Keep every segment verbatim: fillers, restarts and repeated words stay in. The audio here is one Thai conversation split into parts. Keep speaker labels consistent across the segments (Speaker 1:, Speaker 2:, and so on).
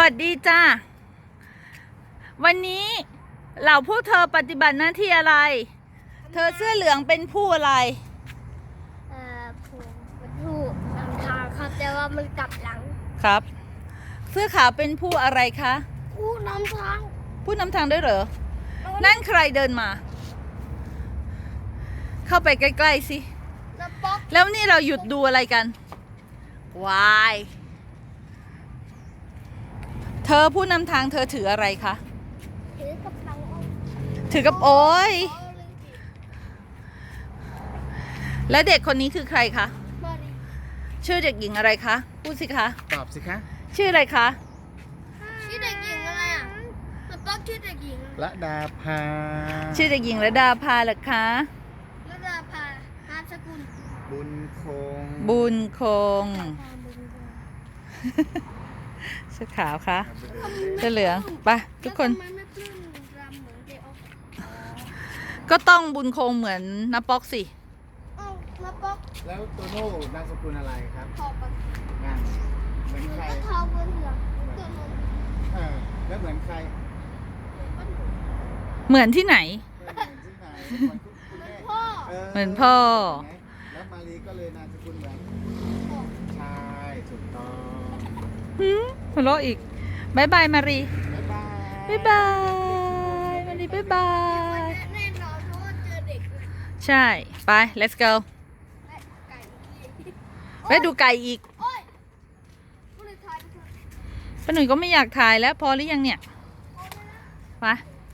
Speaker 1: วัสดีจ้าวันนี้เหล่าพวกเธอปฏิบัติหน้าที่อะไรเธอเสื้อเหลืองเป็นผู้อะไร
Speaker 2: เอ่อผมเป็นผู้นำทางครับแต่ว่ามันกลับหลัง
Speaker 1: ครับเสื้อขาวเป็นผู้อะไรคะ
Speaker 2: ผู้นำทาง
Speaker 1: ผู้นำทางด้วยเหรอนั่นใครเดินมาเข้าไปใกล้ๆสิแล้วนี่เราหยุดดูอะไรกันวายเธอผู้นำทางเธอถืออะไรคะ
Speaker 2: ถือกระเป๋า
Speaker 1: ถือกับโอ้ยและเด็กคนนี้คือใครคะชื่อเด็กหญิงอะไรคะพูดสิคะ
Speaker 3: ตอบสิคะ
Speaker 1: ชื่ออะไรคะ
Speaker 2: ชื่อเด็กหญิงอะไรอ่ะมันต้องชื่อเด็กหญิง
Speaker 3: ระดาภา
Speaker 1: ชื่อเด็กหญิงระดาภาเหรอคะ
Speaker 2: ระดาภานามสกุล
Speaker 3: บุญคง
Speaker 1: บุญคงเสื้อขาวคะเสื้อเหลืองไปทุกคนก็ต้องบุญคงเหมือนน้าป๊อกสิ
Speaker 2: น้าป๊อก
Speaker 3: แล้วโตโน่นามสกุลอะไรครับ
Speaker 2: ทอป
Speaker 3: งานเหมือนใคร
Speaker 2: ทอบุญเหลือง
Speaker 3: เออแล้วเหมือนใคร
Speaker 1: เหมือนที่ไหน
Speaker 3: เห
Speaker 1: มือนพ่อ
Speaker 3: แล้วมารีก็เลยนามสกุลเหมือนใช่ถูกต้อง
Speaker 1: หืมหัวเราะอีกบายบายมารี
Speaker 3: บ๊ายบาย
Speaker 1: บายบายมารีบายบาย
Speaker 2: แน่นอนเพราะว่าเจอเด็ก
Speaker 1: ใช่ไป let's go ไปดูไก่อีกป้าหนุ่ยก็ไม่อยากถ่ายแล้วพอหรือยังเนี่ยไป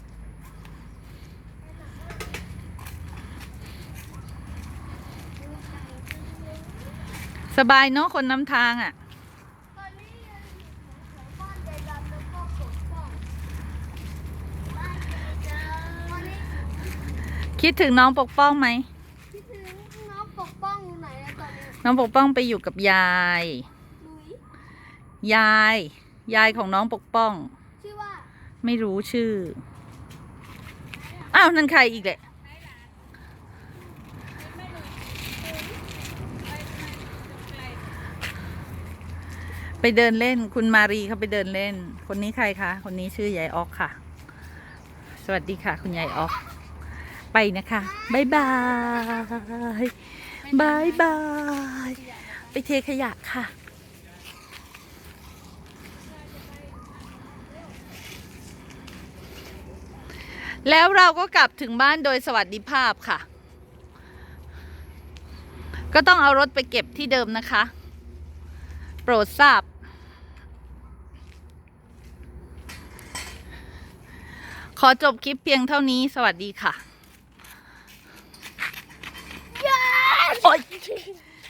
Speaker 1: สบายเนาะคนนำทางอ่ะคิดถึงน้องปกป้องไหม
Speaker 2: คิดถึงน้องปกป้องอยู่ไหนอะตอนนี้
Speaker 1: น้องปกป้องไปอยู่กับยายยายยายของน้องปกป้อง
Speaker 2: ชื่อว่า
Speaker 1: ไม่รู้ชื่ออ้าวนั่นใครอีกแหละไปเดินเล่นคุณมารีเขาไปเดินเล่นคนนี้ใครคะคนนี้ชื่อยายออกค่ะสวัสดีค่ะคุณยายออกไปนะคะบายบายบายบายไปเทขยะค่ะแล้วเราก็กลับถึงบ้านโดยสวัสดิภาพค่ะก็ต้องเอารถไปเก็บที่เดิมนะคะโปรดทราบขอจบคลิปเพียงเท่านี้สวัสดีค่ะโอ๊ย